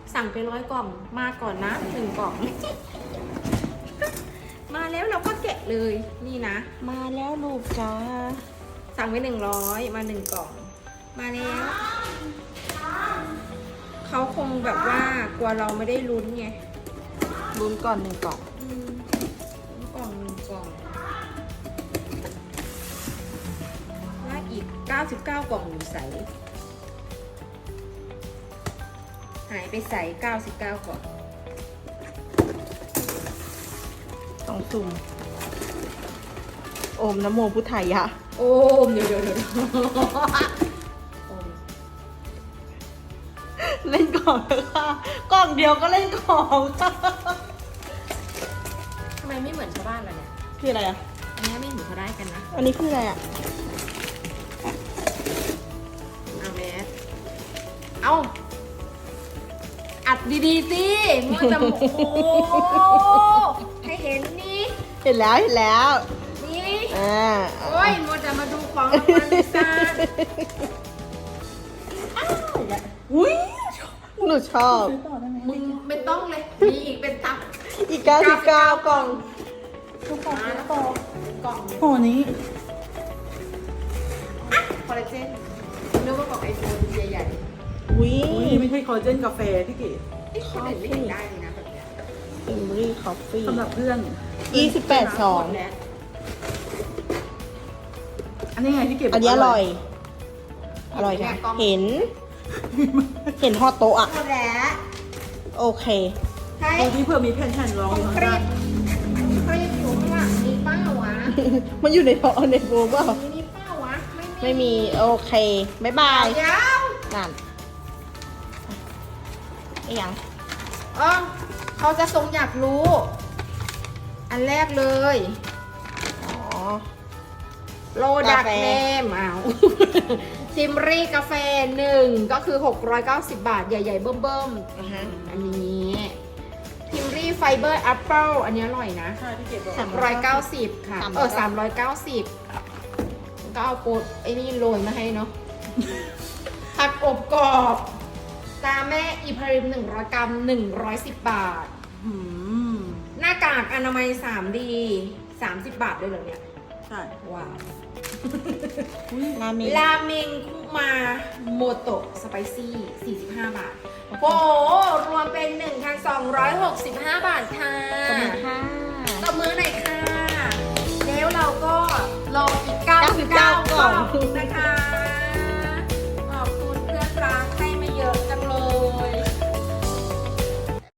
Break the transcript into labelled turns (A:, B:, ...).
A: สั่งไป100 กล่องมาก่อนนะ1 กล่อง มาแล้วเราก็แกะเลยนี่นะ
B: มาแล้วลูกจ้า
A: สั่งไป100มา1 กล่อง มาแล้วเขาคงแบบว่ากลัวเราไม่ได้ลุ้นไง
B: ลุ้นก่อน1 กล่อง
A: กล่อง1 กล่องแล้วอีก99 กล่องอยู่ใสหายไปใส่99 กล่อง
B: ต้องซุ่มโอมนะโมพุทธายะ
A: โอ้มเดี๋ยวโอม
B: เล่นกล่องเลยค่ะกล่องเดียวก็เล่นของค่ะ
A: ทำไมไม่เหมือนชาวบ้านล่ะเนี่ย
B: คืออะไรอ่ะ
A: อันนี้ไม่เห็นเขาได้กันนะ
B: อันนี้คืออะไรอ่ะ
A: เอาแมสเอาอัดดีๆสิมัวจะโอ้โหให้เห็นนี่
B: เห็นแล้ว
A: นี่
B: นี่
A: โอ้ยมัวจะมาดูของรางวัลลิซ่า
B: อุ้ยหนูชอบ
A: มึงไม่ต้องเลยมีอีกเป็นตับ
B: อีก99 กล่อง
A: มาแล้วกล่อง
B: โหนี้
A: คอลลาเจนนึกว่ากล่องไอโฟนใหญ่
B: อุ้ย
C: ไม่ใช่คอลลาเจนกาแฟพี่เก๋
A: ๆที่คนอื่นไม่เห็นได้เลยนะแบบเนี้ย
B: อิมรี่คอฟฟี่
C: สำหรับเพื่อน
B: 28 ซอง
C: อันนี้ไงพี่เก๋บก
B: อันนี้อร่อย อร่อยค่ะ เห็นฮอตโตะอ่ะ
A: หมดแล้ว
B: โอเค
A: ใช่
C: ดูที่เพื่อมีแผ่นๆรองอยู่
A: ค
C: ข้าง
A: รี
C: ล่าง
A: บครีบอยู่ข้างหลังมีเป้าวะ
B: มันอยู่ในท้องในโบเปล่า
A: มีเป้าวะ
B: ไม่มี โอเค บ๊ายบาย
A: เดี๋ยว
B: นั่นไอ้ยัง
A: เขาจะทรงอยากรู้ อันแรกเลย
B: อ๋อ
A: โลดัก
B: กาแฟ
A: เนมอ้าว ทิมรี่กาแฟ1ก็คือ690 บาทใหญ่ๆเบิ่ม
B: อ่ะฮะ
A: ๆอันนี้ทิมรี่ไฟเบอร์แอปเปิลอันนี้อร่อยนะ
C: ใช่พี่เก๋บอก
A: 390 ค่ะ 390 ก็เอาโปรดไอ้นี่โรยมาให้เนาะ ผักอบกรอบตาแม่อีพาริม100 กรัม110 บาท
C: อืม
A: หน้ากากอนามัย 3D 30 บาทด้วยเหรอเนี่ย
C: ใช่
A: ว้าว
B: ราเมง
A: ราเมงคุมาโมโตะสไปซี่45 บาท โอ้โห รวมเป็น 1,265 บาทค่ะ
B: ขอบคุณค่ะ
A: ตบมือหน่อยค่ะ แล้วเราก็รออีก99
B: 99
A: กล่องนะคะ